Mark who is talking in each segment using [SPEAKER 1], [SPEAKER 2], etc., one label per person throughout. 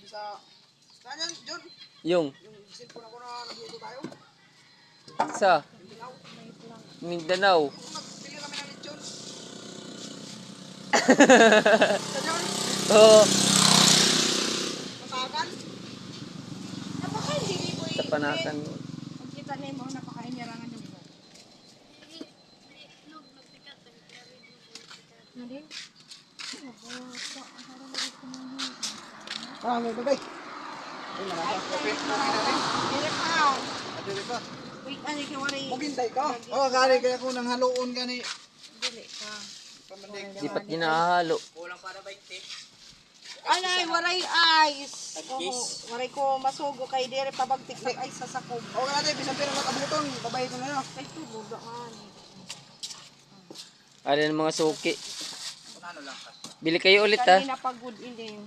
[SPEAKER 1] sa... Saan yan, John?
[SPEAKER 2] Yung
[SPEAKER 1] Yung cellphone ako na nagluto tayo.
[SPEAKER 2] sa
[SPEAKER 1] Mindanao.
[SPEAKER 2] Mindanao.
[SPEAKER 1] Nagbili kami ng lechon. Sa John?
[SPEAKER 2] Oo,
[SPEAKER 1] Matakan.
[SPEAKER 3] Napakain hindi mo
[SPEAKER 2] sa Panakan.
[SPEAKER 3] Pag kita na mo, napakain niya rangan yung mo. Nari?
[SPEAKER 1] Ah, may babay. Ay, marasa. Open namin.
[SPEAKER 3] Dire pa.
[SPEAKER 1] Dili pa.
[SPEAKER 3] Wait, ano yung wari?
[SPEAKER 1] Mugintay ka. Oh, kari kaya ko nang haloon gani.
[SPEAKER 3] Dili ka.
[SPEAKER 1] Pamandig.
[SPEAKER 2] Di pat ginahalo.
[SPEAKER 3] Alay, waray ice. Waray ko masugo kay dire pabagtik ng ice sa sakog.
[SPEAKER 1] Okay natin, bisang pero matabuton. Babay ko na yun.
[SPEAKER 3] Kay tubo daan.
[SPEAKER 2] Ano ng mga suki. Bili kayo ulit ha.
[SPEAKER 3] Kanina pagod din.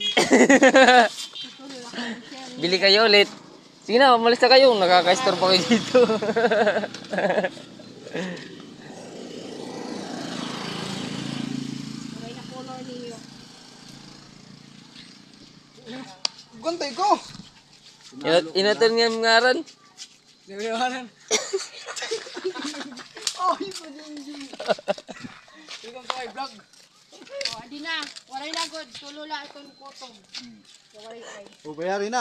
[SPEAKER 2] Bili kayo ulit. Sige na, umalis na kayo. Nakaka-store pa kayo dito.
[SPEAKER 3] Waray na color niyo.
[SPEAKER 1] Guntay ko.
[SPEAKER 2] Inatan nga yung ngaran.
[SPEAKER 1] Nilawanan. Oh, iba din yun. Welcome to my vlog.
[SPEAKER 3] Oh, adi na. Waray na good. Tulula itong kutong. Waray ay.
[SPEAKER 1] O, bayari na.